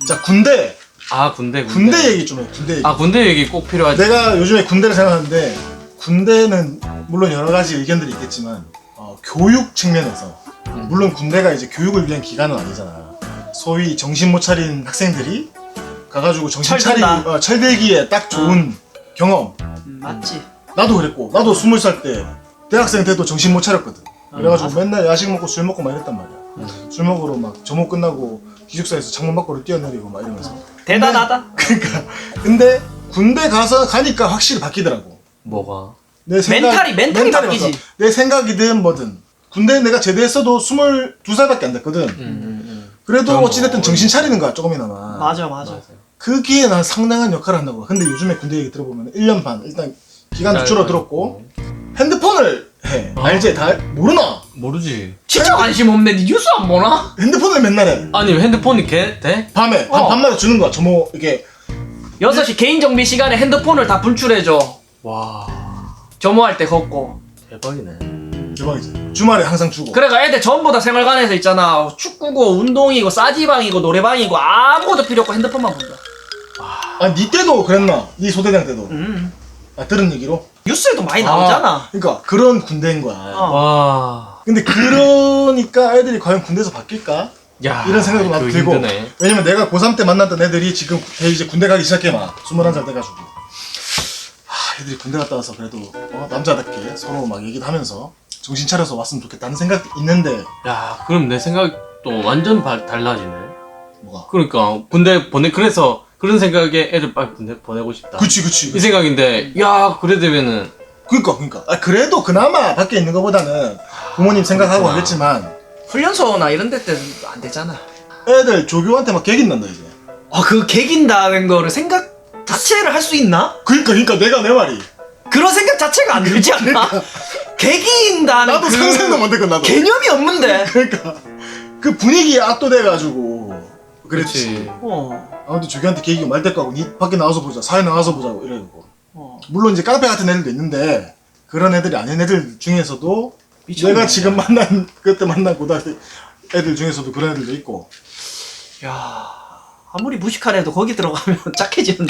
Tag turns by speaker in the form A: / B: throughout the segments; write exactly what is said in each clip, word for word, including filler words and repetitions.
A: 자 군대.
B: 아 군대 군대.
A: 군대 얘기 좀 해. 군대 얘기.
B: 아 군대 얘기 꼭 필요하지.
A: 내가 요즘에 군대를 생각하는데 군대는 물론 여러 가지 의견들이 있겠지만 어, 교육 측면에서
B: 음.
A: 물론 군대가 이제 교육을 위한 기관은 아니잖아. 소위 정신 못 차린 학생들이 가가지고 정신 차리
C: 철든다.
A: 어, 철들기에 딱 좋은 경험.
C: 음, 맞지.
A: 나도 그랬고 나도 스물 살 때 대학생 때도 정신 못 차렸거든. 그래가지고
C: 맞아.
A: 맨날 야식 먹고 술 먹고 막 이랬단 말이야.
B: 음.
A: 술 먹으러 막 점호 끝나고 기숙사에서 창문 밖으로 뛰어내리고 막 이러면서.
C: 대단하다.
A: 그러니까 근데 군대 가서 가니까 확실히 바뀌더라고.
B: 뭐가?
A: 내
C: 멘탈이- 멘탈이 바뀌지.
A: 바뀌어. 내 생각이든 뭐든. 군대 내가 제대했어도 스물두 살밖에 안 됐거든.
B: 음, 음, 음.
A: 그래도
B: 그럼
A: 어찌됐든
B: 뭐
A: 정신 차리는 거야 조금이나마.
C: 맞아 맞아.
B: 맞아요.
A: 그기에 난 상당한 역할을 한다고. 근데 요즘에 군대 얘기 들어보면 일 년 반 일단 기간도 줄어들었고 핸드폰을 해.
B: 어?
A: 알지? 다 모르나?
B: 모르지.
C: 진짜 관심 없네. 니 뉴스 안 보나?
A: 핸드폰을 맨날 해.
B: 아니 핸드폰이 개 돼?
A: 밤에 밤,
C: 어.
A: 밤마다 주는 거야. 저뭐 이게
C: 여섯 시 개인 정비 시간에 핸드폰을 다 분출해줘.
B: 와
C: 점호할 때 걷고.
B: 대박이네.
A: 대박이지. 주말에 항상 주고.
C: 그래가 애들 전부 다 생활관에서 있잖아. 축구고 운동이고 싸지방이고 노래방이고 아무것도 필요 없고 핸드폰만 본다.
A: 아, 니 때도 그랬나? 니 소대장 때도.
C: 음.
A: 아, 들은 얘기로?
C: 뉴스에도 많이 나오잖아.
A: 아, 그러니까 그런 군대인 거야.
C: 어.
B: 와.
A: 근데 그러니까 애들이 과연 군대에서 바뀔까?
B: 야.
A: 이런 생각도 나도
B: 그거
A: 들고.
B: 힘드네.
A: 왜냐면 내가 고삼 때 만났던 애들이 지금 이제 군대 가기 시작해 막. 스물한 살 돼가지고. 하, 애들이 군대 갔다 와서 그래도 어, 남자답게 서로 막 얘기도 하면서 정신 차려서 왔으면 좋겠다는 생각도 있는데
B: 야 그럼 내 생각도 완전 바, 달라지네.
A: 뭐가?
B: 그러니까 군대 보내 그래서 그런 생각에 애들 빨리 군대 보내고 싶다.
A: 그치 그치.
B: 이
A: 그치.
B: 생각인데 야 그래 되면은
A: 그니까 그니까. 아, 그래도 그나마 밖에 있는 것보다는 부모님 생각하고
B: 그렇구나.
A: 하겠지만
C: 훈련소나 이런 데 때는 안 되잖아.
A: 애들 조교한테 막 개긴단다 이제.
C: 아, 그 개긴다는 거를 생각 자체를 할 수 있나?
A: 그니까 그니까 내가 내 말이.
C: 그런 생각 자체가 안 들지 않나? 개긴다는
A: 나도
C: 그
A: 상상도 못했고 나도.
C: 개념이 없는데.
A: 그러니까 그 분위기에 압도돼가지고 그랬지.
B: 그렇지.
C: 어.
A: 아무튼 조교한테 계기가 말 때까고 니 밖에 나와서 보자 사회 나와서 보자고 이래고.
C: 어.
A: 물론 이제 깡패 같은 애들도 있는데 그런 애들이 아닌 애들 중에서도
C: 미쳤네.
A: 내가 지금 만난 그때 만난 고등학교 애들 중에서도 그런 애들도 있고.
C: 야, 아무리 무식한 애도 거기 들어가면 짝해지는데.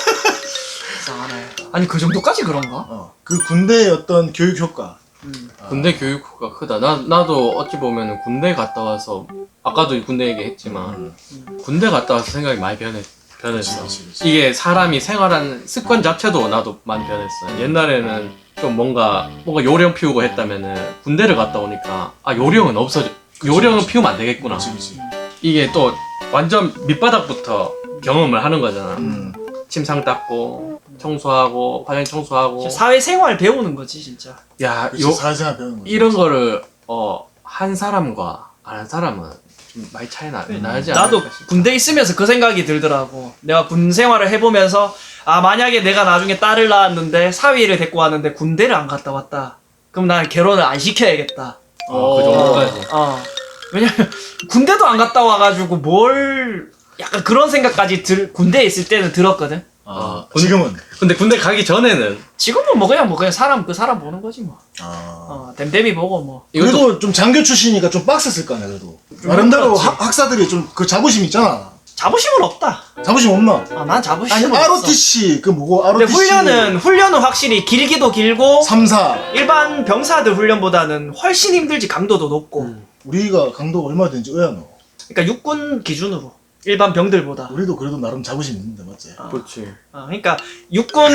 C: 이상하네. 아니 그 정도까지 그런가?
A: 어. 그 군대의 어떤 교육 효과.
C: 음.
B: 군대 교육가 크다. 나 나도 어찌 보면은 군대 갔다 와서 아까도 군대 얘기했지만 군대 갔다 와서 생각이 많이 변했 변했어.
A: 그치, 그치, 그치.
B: 이게 사람이 생활하는 습관 자체도 나도 많이 변했어. 옛날에는 좀 뭔가 뭔가 요령 피우고 했다면은 군대를 갔다 오니까 아 요령은 없어져. 요령은
A: 그치.
B: 피우면 안 되겠구나.
A: 그치 그치.
B: 이게 또 완전 밑바닥부터 경험을 하는 거잖아.
A: 음.
B: 침상 닦고 청소하고 화장실 청소하고.
C: 사회생활 배우는 거지 진짜.
B: 야,
A: 그치,
B: 요
A: 사회생활 배우는 거지.
B: 이런 거를 어 한 사람과 안 한 사람은 좀 많이 차이 나, 나지 않을까
C: 나도
B: 싶어.
C: 군대 있으면서 그 생각이 들더라고. 내가 군 생활을 해보면서 아 만약에 내가 나중에 딸을 낳았는데 사위를 데리고 왔는데 군대를 안 갔다 왔다. 그럼 난 결혼을 안 시켜야겠다.
B: 어, 그 정도까지.
C: 어. 왜냐면 군대도 안 갔다 와가지고 뭘 약간 그런 생각까지 들 군대에 있을 때는 들었거든.
A: 아,
B: 군-
A: 지금은.
B: 근데 군대 가기 전에는
C: 지금은 뭐 그냥 뭐 그냥 사람 그 사람 보는 거지 뭐.
A: 아.
C: 어, 댐댐이 보고 뭐.
B: 이것도
A: 그래도 좀 장교 출신이니까 좀 빡셌을 거 아니야 그래도. 나름대로
C: 힘들었지.
A: 학- 학사들이 좀 그 자부심 있잖아.
C: 자부심은 없다.
A: 자부심 없나?
C: 아, 난 자부심은
A: 아니
C: 없어.
A: 알오티씨 그 뭐고
C: 근데
A: 알오티씨
C: 훈련은 훈련은 확실히 길기도 길고
A: 삼 사
C: 일반 병사들 훈련보다는 훨씬 힘들지. 강도도 높고.
B: 음.
A: 우리가 강도가 얼마 되는지 의아노.
C: 그러니까 육군 기준으로 일반 병들보다.
A: 우리도 그래도 나름 자부심 있는데 맞지?
C: 어.
B: 그렇지.
C: 어, 그러니까 육군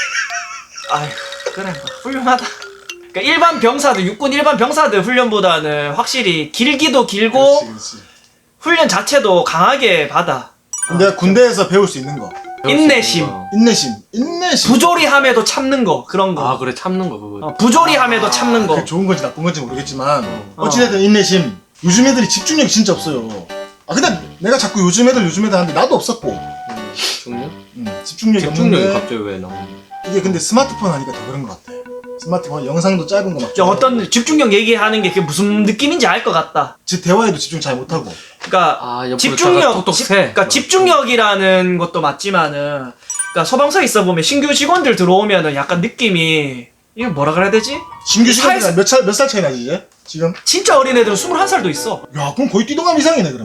C: 아휴 그래 뭐 훌륭하다. 그러니까 일반 병사들 육군 일반 병사들 훈련보다는 확실히 길기도 길고
A: 그렇지, 그렇지.
C: 훈련 자체도 강하게 받아.
A: 근데 군대에서 배울 수 있는 거
C: 인내심.
A: 인내심 인내심
C: 부조리함에도 참는 거 그런 거.
B: 아 그래 참는 거 그거.
C: 어, 부조리함에도 참는 거.
A: 그게 좋은 건지 나쁜 건지 모르겠지만
C: 어.
A: 어찌됐든 인내심. 요즘 애들이 집중력이 진짜 없어요. 아 근데 내가 자꾸 요즘 애들 요즘 애들 하는데 나도 없었고
B: 음, 집중력?
A: 음, 집중력이
B: 집중력이
A: 없는데
B: 갑자기 왜 나?
A: 이게 근데 스마트폰 하니까 더 그런 것 같아. 스마트폰 영상도 짧은 거막
C: 저 어떤 집중력 얘기하는 게 그게 무슨 느낌인지 알 것 같다.
A: 제 대화에도 집중 잘 못하고
C: 그러니까
B: 아 옆으로
C: 집중력,
B: 차가 톡톡
C: 집,
B: 새.
C: 그러니까 집중력이라는 것도 맞지만은, 그러니까 소방서에 있어 보면 신규 직원들 들어오면은 약간 느낌이 이거 뭐라 그래야 되지?
A: 신규
C: 사회에서-
A: 시간이랑 몇살 몇 살 차이 나지 이제? 지금?
C: 진짜 어린 애들은 스물한 살도 있어.
A: 야 그럼 거의 뛰동감 이상이네 그러면.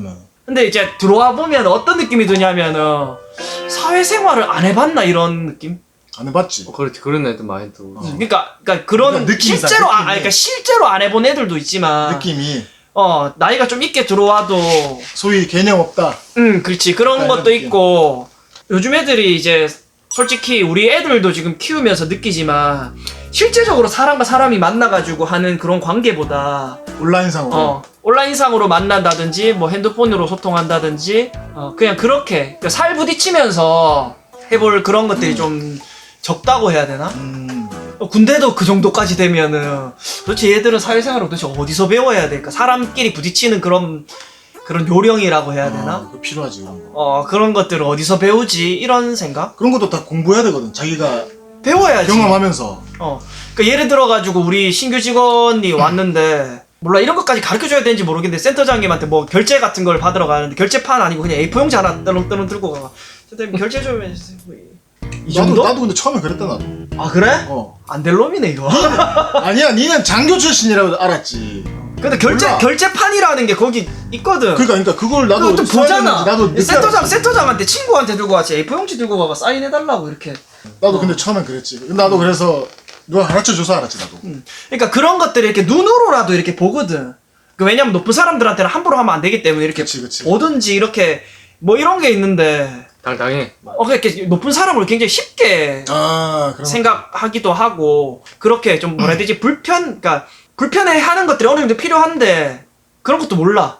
C: 근데 이제 들어와 보면 어떤 느낌이 드냐면은 사회생활을 안 해봤나 이런 느낌?
A: 안 해봤지.
B: 어, 그렇지 그런 애들 많이 들어.
A: 어.
C: 그러니까 그러니까 그런
A: 그러니까 느낌이 있어,
C: 실제로 아,
A: 느낌이.
C: 아니, 그러니까 실제로 안 해본 애들도 있지만
A: 느낌이
C: 어 나이가 좀 있게 들어와도
A: 소위 개념 없다.
C: 음 그렇지 그런
A: 약간
C: 것도
A: 이런 느낌.
C: 있고 요즘 애들이 이제 솔직히 우리 애들도 지금 키우면서 느끼지만 실제적으로 사람과 사람이 만나가지고 하는 그런 관계보다
A: 온라인상으로.
C: 어, 온라인상으로 만난다든지 뭐 핸드폰으로 소통한다든지 어, 그냥 그렇게 그살 부딪히면서 해볼 그런 것들이 좀 적다고 해야 되나?
A: 음.
C: 어, 군대도 그 정도까지 되면은 도대체 얘들은 사회생활을 도대체 어디서 배워야 될까? 사람끼리 부딪히는 그런 그런 요령이라고 해야 되나?
A: 어, 그거 필요하지 그런 거.
C: 어 그런 것들을 어디서 배우지? 이런 생각?
A: 그런 것도 다 공부해야 되거든. 자기가
C: 배워야지.
A: 경험하면서.
C: 어. 그러니까 예를 들어가지고 우리 신규 직원이 왔는데 몰라 이런 것까지 가르쳐줘야 되는지 모르겠는데 센터장님한테 뭐 결제 같은 걸 받으러 가는데 결제판 아니고 그냥 에이포 용지 하나 떠렁떠렁 들고 가. 선생님 결제 좀 해주세요. 이
A: 나도
C: 정도?
A: 나도 근데 처음에 그랬다 나도.
C: 아 그래?
A: 어.
C: 안 될 놈이네 이거.
A: 아니야, 니는 장교 출신이라고 알았지.
C: 근데 결제
A: 몰라.
C: 결제판이라는 게 거기 있거든.
A: 그러니까 그러니까 그걸 나도
C: 그거 좀
A: 써야
C: 보잖아.
A: 되는지 나도 늦게
C: 센터장
A: 알았지.
C: 센터장한테 친구한테 들고 왔지 에이포 용지 들고 가가 사인해달라고 이렇게.
A: 나도
C: 어.
A: 근데 처음엔 그랬지. 근데 나도 그래서 누가 가르쳐줘서 알았지 나도.
C: 음. 그러니까 그런 것들을 이렇게 눈으로라도 이렇게 보거든. 그 왜냐면 높은 사람들한테는 함부로 하면 안 되기 때문에 이렇게
A: 그치, 그치.
C: 뭐든지 이렇게 뭐 이런 게 있는데
B: 당당해.
C: 어 이렇게 높은 사람을 굉장히 쉽게
A: 아 그런.
C: 생각하기도 하고 그렇게 좀 뭐라 해야 되지 불편 그러니까 불편해하는 것들이 어느 정도 필요한데 그런 것도 몰라.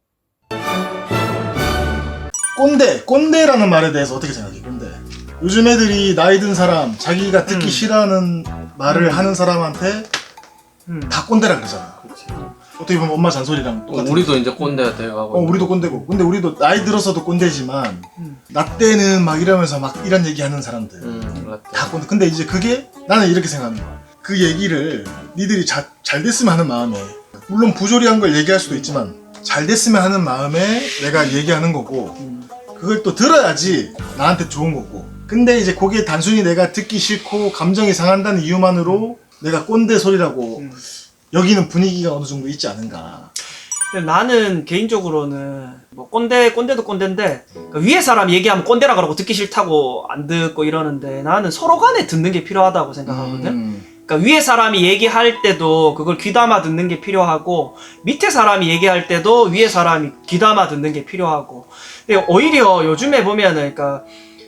A: 꼰대, 꼰대라는 말에 대해서 어떻게 생각해? 꼰대. 요즘 애들이 나이 든 사람, 자기가 듣기
C: 음.
A: 싫어하는 말을 하는 사람한테
C: 음.
A: 다 꼰대라 그러잖아.
B: 그렇지.
A: 어떻게 보면 엄마 잔소리랑 똑같은.
B: 우리도 이제 꼰대가 돼가고.
A: 어, 우리도 꼰대고. 근데 우리도 나이 들어서도 꼰대지만
C: 음.
A: 나 때는 막 이러면서 막 이런 얘기 하는 사람들
B: 음, 맞다.
A: 다 꼰대. 근데 이제 그게 나는 이렇게 생각하는 거야. 그 얘기를 니들이 자, 잘 됐으면 하는 마음에, 물론 부조리한 걸 얘기할 수도 있지만 잘 됐으면 하는 마음에 내가 얘기하는 거고,
C: 음.
A: 그걸 또 들어야지 나한테 좋은 거고. 근데 이제 그게 단순히 내가 듣기 싫고 감정이 상한다는 이유만으로 내가 꼰대 소리라고
C: 음.
A: 여기는 분위기가 어느 정도 있지 않은가.
C: 근데 나는 개인적으로는 뭐 꼰대 꼰대도 꼰대인데 그 위에 사람 얘기하면 꼰대라 그러고 듣기 싫다고 안 듣고 이러는데 나는 서로 간에 듣는 게 필요하다고 생각하거든.
A: 음.
C: 그러니까 위에 사람이 얘기할 때도 그걸 귀담아 듣는 게 필요하고 밑에 사람이 얘기할 때도 위에 사람이 귀담아 듣는 게 필요하고. 근데 오히려 요즘에 보면은 그러니까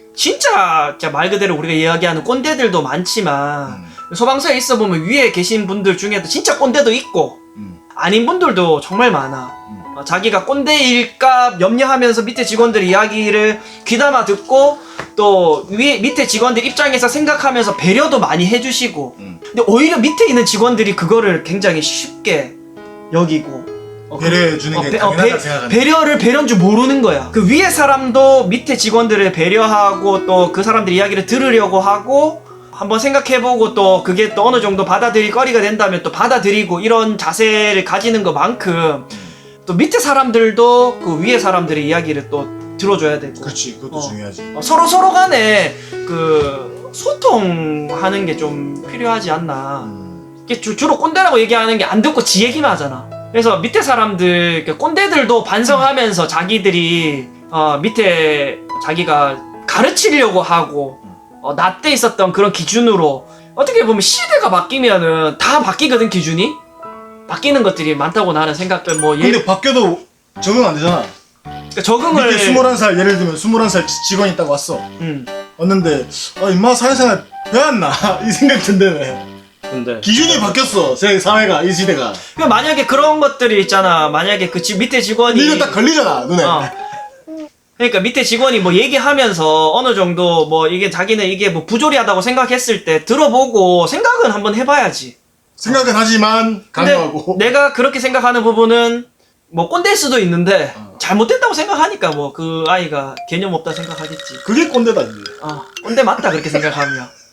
C: 진짜, 진짜 말 그대로 우리가 이야기하는 꼰대들도 많지만
A: 음.
C: 소방서에 있어 보면 위에 계신 분들 중에도 진짜 꼰대도 있고
A: 음.
C: 아닌 분들도 정말 많아.
A: 음.
C: 어, 자기가 꼰대일까 염려하면서 밑에 직원들 이야기를 귀담아 듣고 또 위에 밑에 직원들 입장에서 생각하면서 배려도 많이 해주시고.
A: 음.
C: 근데 오히려 밑에 있는 직원들이 그거를 굉장히 쉽게 여기고 어,
A: 배려해 주는
C: 어,
A: 게
C: 배- 어,
A: 당연하다
C: 배-
A: 생각하는.
C: 배려를 배려인 줄 모르는 거야. 그 위에 사람도 밑에 직원들을 배려하고 또 그 사람들 이야기를 들으려고 하고 한번 생각해보고 또 그게 또 어느 정도 받아들일 거리가 된다면 또 받아들이고 이런 자세를 가지는 것만큼 또 밑에 사람들도 그 위에 사람들의 이야기를 또 들어줘야 되고.
A: 그렇지, 그것도
C: 어.
A: 중요하지.
C: 어, 서로 서로 간에 그 소통하는 게 좀 필요하지 않나.
A: 음.
C: 이게 주, 주로 꼰대라고 얘기하는 게 안 듣고 지 얘기만 하잖아. 그래서 밑에 사람들, 그 꼰대들도 반성하면서 자기들이 어, 밑에 자기가 가르치려고 하고 어, 나 때 있었던 그런 기준으로 어떻게 보면 시대가 바뀌면은 다 바뀌거든 기준이. 바뀌는 것들이 많다고 나는 생각들 뭐
A: 근데
C: 예,
A: 바뀌어도 적응 안 되잖아.
C: 그러니까 적응을
A: 밑에 스물한 살 예를 들면 스물한 살 직원이 있다고 왔어.
C: 음.
A: 왔는데 아 임마 사회생활 배웠나 이 생각 든다네.
B: 근데
A: 기준이 바뀌었어. 제 사회가 이 시대가.
C: 그 만약에 그런 것들이 있잖아. 만약에 그 지, 밑에 직원이
A: 이거 딱 걸리잖아 눈에.
C: 어. 그러니까 밑에 직원이 뭐 얘기하면서 어느 정도 뭐 이게 자기는 이게 뭐 부조리하다고 생각했을 때 들어보고 생각은 한번 해봐야지.
A: 생각은 하지만
C: 근데
A: 강요하고.
C: 내가 그렇게 생각하는 부분은 뭐 꼰대일 수도 있는데
A: 어.
C: 잘못됐다고 생각하니까 뭐 그 아이가 개념 없다 생각하겠지.
A: 그게 꼰대다 이제.
C: 어, 꼰대 맞다 그렇게 생각하면.